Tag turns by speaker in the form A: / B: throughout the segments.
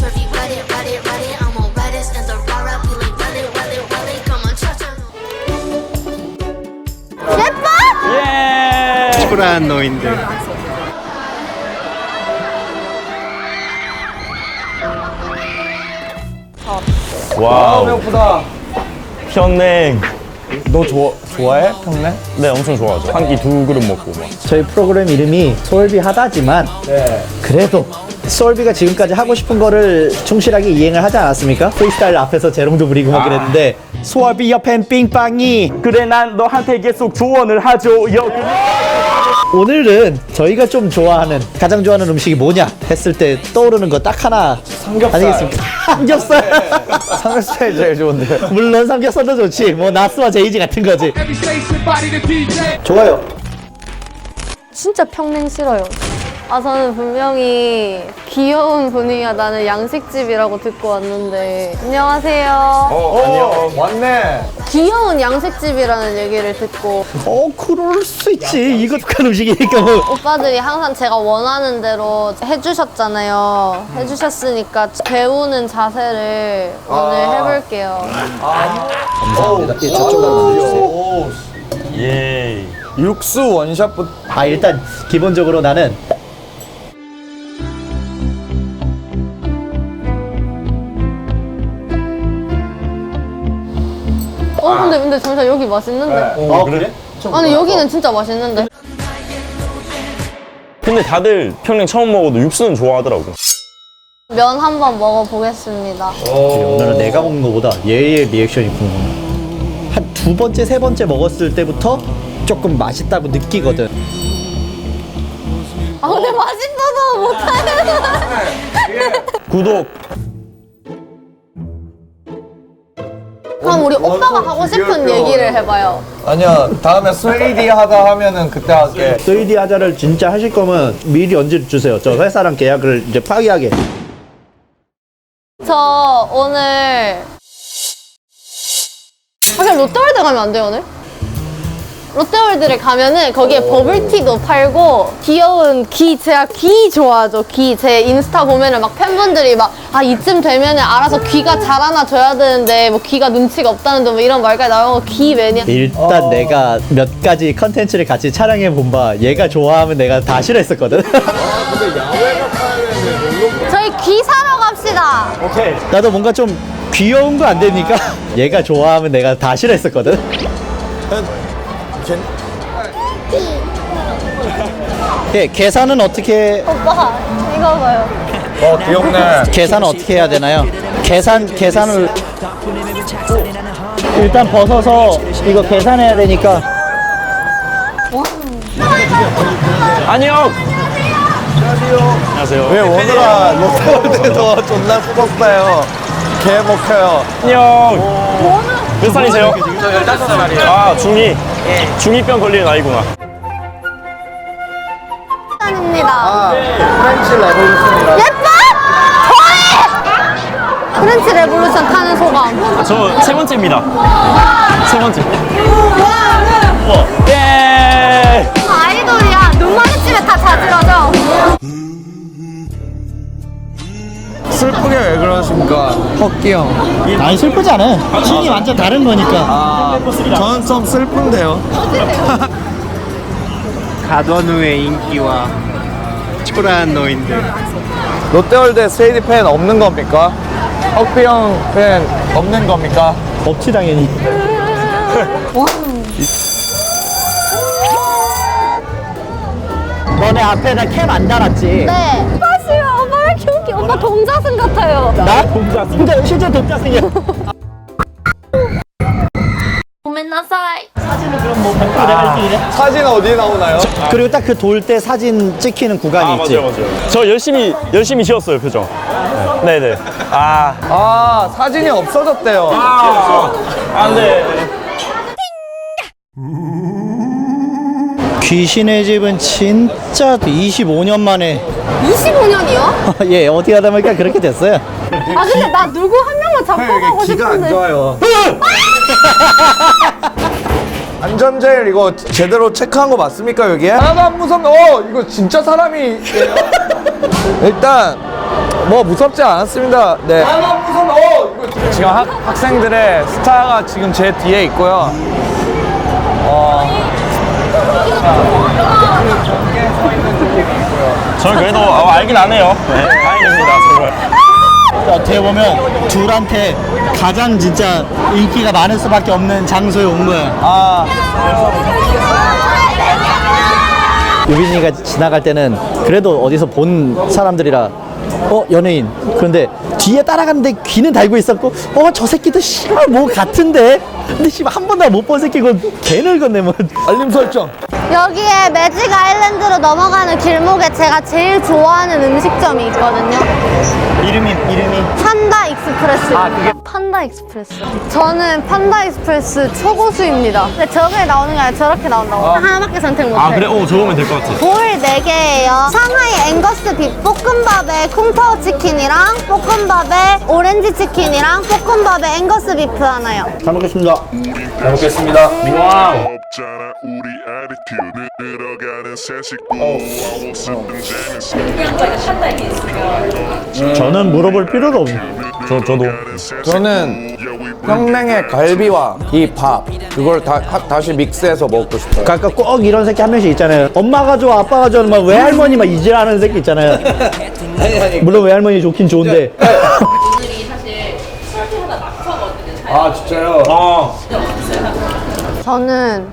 A: swervy, ride it, ride it, ride it. I'm on riders and the rara, we like run it, run it, run it. Come on, cha-cha.
B: 예뻐?
C: 예. 초라한 노인들.
D: 와우.
E: 배고프다.
D: 평냉.
E: 너 좋아해? 평냉?
D: 네, 엄청 좋아하죠. 한 끼 2그릇 먹고 막.
F: 저희 프로그램 이름이 소울비 하다지만
E: 네.
F: 그래도 소울비가 지금까지 하고 싶은 거를 충실하게 이행을 하지 않았습니까? 프리스타일 앞에서 재롱도 부리고 막 그랬는데 소울비 옆엔 삥빵이
D: 그래, 난 너한테 계속 조언을 하죠.
F: 오늘은 저희가 좀 좋아하는 가장 좋아하는 음식이 뭐냐 했을 때 떠오르는 거 딱 하나
E: 삼겹살.
F: 아니겠습니까? 삼겹살.
E: 삼겹살이 제일 좋은데.
F: 물론 삼겹살도 좋지. 뭐 나스와 제이지 같은 거지. 좋아요.
B: 진짜 평냉 싫어요. 아, 저는 분명히 귀여운 분위기가 나는 양식집이라고 듣고 왔는데. 안녕하세요.
E: 안녕. 왔네.
B: 귀여운 양식집이라는 얘기를 듣고
F: 그럴 수 있지. 이거 독한 음식이니까 뭐.
B: 오빠들이 항상 제가 원하는 대로 해주셨잖아요. 해주셨으니까 배우는 자세를 오늘 해볼게요.
F: 감사합니다. 예, 저쪽으로 만들어주세요.
D: 예.
E: 육수 원샷부터.
F: 일단 기본적으로 나는
B: 근데 잠시만, 여기 맛있는데?
F: 그래?
B: 아니, 여기는 진짜 맛있는데?
D: 근데 다들 평냉 처음 먹어도 육수는 좋아하더라고.
B: 면 한번 먹어보겠습니다.
F: 오늘은 내가 먹는 거보다 얘의 리액션이 궁금해. 한 두 번째, 세 번째 먹었을 때부터 조금 맛있다고 느끼거든.
B: 근데 맛있어서 못하겠어.
D: 구독.
B: 그럼 우리 오빠가 하고 싶은 얘기를 해봐요.
E: 아니야, 다음에 3D 하다 하면은 그때 할게.
F: 3D 하자를 진짜 하실 거면 미리 언제 주세요. 저 회사랑 계약을 이제 파기하게.
B: 저 오늘 그냥 롯데월드 가면 안 돼요, 오늘? 롯데월드를 가면은 거기에 버블티도 팔고 귀여운 제가 귀 좋아하죠. 제 인스타 보면은 막 팬분들이 막 이쯤 되면은 알아서 귀가 자라나줘야 되는데 뭐 귀가 눈치가 없다는데 뭐 이런 말까지 나오고 귀 매니아.
F: 일단 내가 몇 가지 컨텐츠를 같이 촬영해 본 바 얘가 좋아하면 내가 다 싫어했었거든.
B: 저희 귀 사러 갑시다.
F: 오케이. 나도 뭔가 좀 귀여운 거 안 되니까 얘가 좋아하면 내가 다 싫어했었거든. 예, 계산은 어떻게
B: 오빠 이거 봐요.
E: 귀엽네.
F: 계산은 어떻게 해야 되나요? 계산을 일단 벗어서 이거 계산해야 되니까.
D: 안녕. 안녕하세요.
E: 왜 오늘아 롯데월드에서 존나 수고했어요. 개 먹혀요.
D: 안녕. 몇 살이세요? 저 15살이에요. 중2. 중2병 걸리는 아이구나.
B: 입니다.
E: 프렌치 레볼루션이라.
B: 예뻐? 좋아해! 프렌치 레볼루션 타는 소감.
D: 저 세 번째입니다. 세 번째. 예.
B: 아이돌이야. 눈 마주치면 다 자지러져.
E: 슬프게 왜 그러십니까? 헛기 형.
F: 아니 슬프지 않아. 씬이 완전 다른 거니까.
E: 저는 좀 슬픈데요.
C: 가던우의 인기와 초라한 노인들.
E: 롯데월드에 3D 팬 없는 겁니까? 헛기 형팬 없는 겁니까?
F: 없지 당연히. 너네 앞에다 캠 안 달았지?
B: 네. 사실 오빠 왜 이렇게 웃겨? 오빠 동자승 같아요.
F: 나? 동자승. 실제 동자승이야.
B: 고멘나사이.
E: 사진 어디 나오나요?
F: 그리고 딱 그 돌 때 사진 찍히는 구간이 있지.
D: 맞아요. 저 열심히 지었어요, 표정. 네네.
E: 사진이 없어졌대요.
D: 안 돼.
F: 귀신의 집은 진짜 25년 만에
B: 25년이요?
F: 예 어디 하다 보니까 그렇게 됐어요.
B: 근데 나 누구 한 명만 잡고 가고
E: 기가 안
B: 싶은데.
E: 좋아요. 안전제일 이거 제대로 체크한 거 맞습니까 여기에? 하나도 안 무섭네. 이거 진짜 사람이 일단 뭐 무섭지 않았습니다. 네. 지금 학생들의 스타가 지금 제 뒤에 있고요.
D: 저는 그래도 알긴 안 해요. 네, 다행입니다. 정말.
F: 어떻게 보면 둘한테 가장 진짜 인기가 많을 수밖에 없는 장소에 온 거야. 유빈이가 지나갈 때는 그래도 어디서 본 사람들이라 연예인. 그런데 뒤에 따라가는데 귀는 달고 있었고 저 새끼도 씨발 뭐 같은데. 근데 씨발 한 번도 못 본 새끼고 개 늙었네 뭐.
E: 알림 설정.
B: 여기에 매직 아일랜드로 넘어가는 길목에 제가 제일 좋아하는 음식점이 있거든요.
F: 이름이
B: 판다 익스프레스. 판다 익스프레스. 저는 판다 익스프레스 초고수입니다. 근데 저게 나오는 게 아니라 저렇게 나온다고. 하나밖에 선택 못해.
D: 아 그래? 저거면 될 것 같아.
B: 볼 4개예요. 상하이 앵거스 빅 볶음밥에 콩타오 치킨이랑 볶음밥에 오렌지 치킨이랑 볶음밥에 앵거스 비프 하나요.
F: 잘 먹겠습니다.
E: 잘 먹겠습니다.
D: 와우.
G: 없잖아 우리 attitude 늘어가는 새식구
F: 저는 물어볼 필요도 없네.
D: 저도.
E: 저는 평냉의 갈비와 이 밥 그걸 다시 믹스해서 먹고 싶어요.
F: 그러니까 꼭 이런 새끼 한 명씩 있잖아요. 엄마가 좋아, 아빠가 좋아, 막 외할머니 막 이질하는 새끼 있잖아요. 물론 외할머니 좋긴 좋은데.
E: 아 진짜요?
B: 저는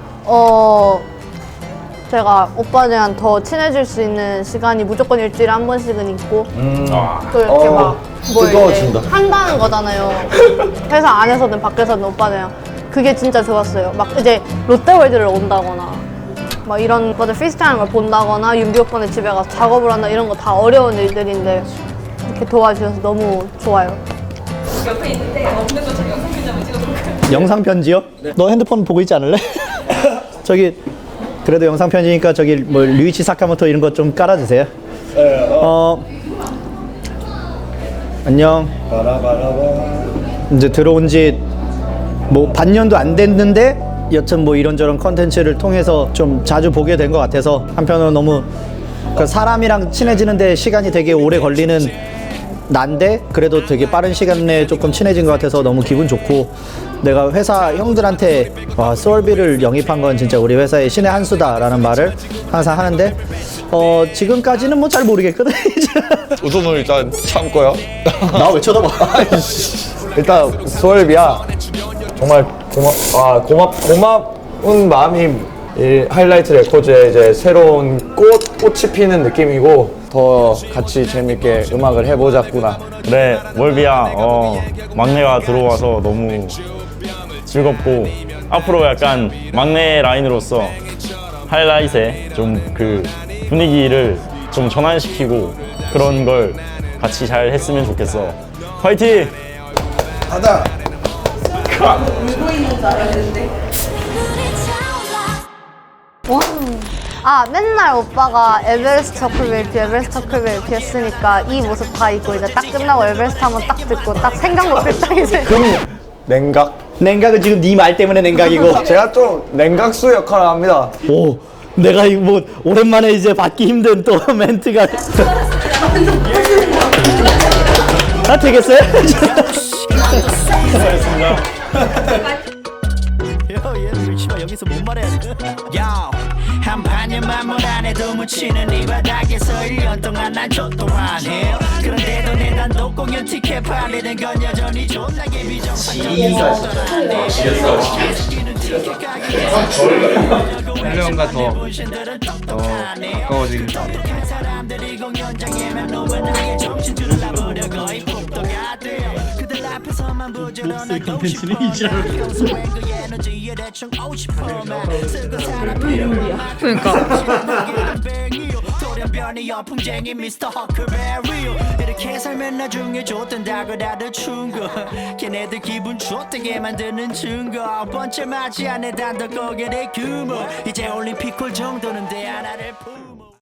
B: 제가 오빠들이랑 더 친해질 수 있는 시간이 무조건 일주일에 한 번씩은 있고 또 이렇게 막 뭘
F: 뜨거워진다.
B: 한다는 거잖아요. 회사 안에서든 밖에서든 오빠들이랑 그게 진짜 좋았어요. 막 이제 롯데월드를 온다거나 막 이런 오빠들 프리스타일하는 걸 본다거나 윤비 오빠네 집에 가서 작업을 한다 이런 거 다 어려운 일들인데 이렇게 도와주셔서 너무 좋아요.
H: 옆에 있는데 없는 것처럼 영상 편지 한번 찍어볼까요?
F: 영상 편지요? 너 핸드폰 보고 있지 않을래? 저기 그래도 영상 편지니까 저기 뭐 류이치 사카모토 이런 거 좀 깔아주세요. 안녕. 이제 들어온 지 뭐 반년도 안 됐는데 여튼 뭐 이런저런 컨텐츠를 통해서 좀 자주 보게 된 것 같아서 한편으로 너무 그러니까 사람이랑 친해지는데 시간이 되게 오래 걸리는 난데 그래도 되게 빠른 시간 내에 조금 친해진 것 같아서 너무 기분 좋고 내가 회사 형들한테 와 소울비를 영입한 건 진짜 우리 회사의 신의 한 수다라는 말을 항상 하는데 지금까지는 뭐 잘 모르겠거든.
E: 웃음을 일단 참고요.
F: 나 왜 쳐다봐?
E: 일단 소울비야 정말 고마운 마음이 이 하이라이트 레코드의 이제 새로운 꽃이 피는 느낌이고 더 같이 재밌게 음악을 해보자꾸나.
D: 그래 월비야 막내가 들어와서 너무 즐겁고 앞으로 약간 막내 라인으로서 하이라이트에 좀 그 분위기를 좀 전환시키고 그런 걸 같이 잘 했으면 좋겠어. 화이팅!
E: 가자.
B: 맨날 오빠가 에베레스트 터클벨트 했으니까 이 모습 다 입고 이제 딱 끝나고 에베레스트 한번 딱 듣고 딱 생각났을 딱 이제
E: 냉각은 지금 네 말 때문에 냉각이고 제가 좀 냉각수 역할을 합니다.
F: 오, 내가 이거 뭐 오랜만에 이제 받기 힘든 또 멘트가. 되겠어요? 얘는 여기서 뭔 말해야 돼?
I: 한 반년만 물 안에도 묻히는 이 바닥에서 1년 동안 난 조또하네. 그런데도 내 단독 공연 티켓 팔리는 건 여전히 존나게 비정상적이야.
C: 헬레온과 더 가까워지는
I: 사람들이 공연장에만 노원하게 정신 줄라버려 거의 폭도가 돼요. 그들 앞에서만 부지런한 컨텐츠는 이지라로 그 에너지에 대충 50%만 쓰고 사람들이 돌연변이 연풍쟁이 미스터 허클베리요. 이렇게 살면 나중에 좋단다고 다들 충고. 걔네들 기분 좋다게 만드는 증거. 번째 맞이 안에 단독 고개의 규모. 이제 올림픽 홀 정도는 돼 하나를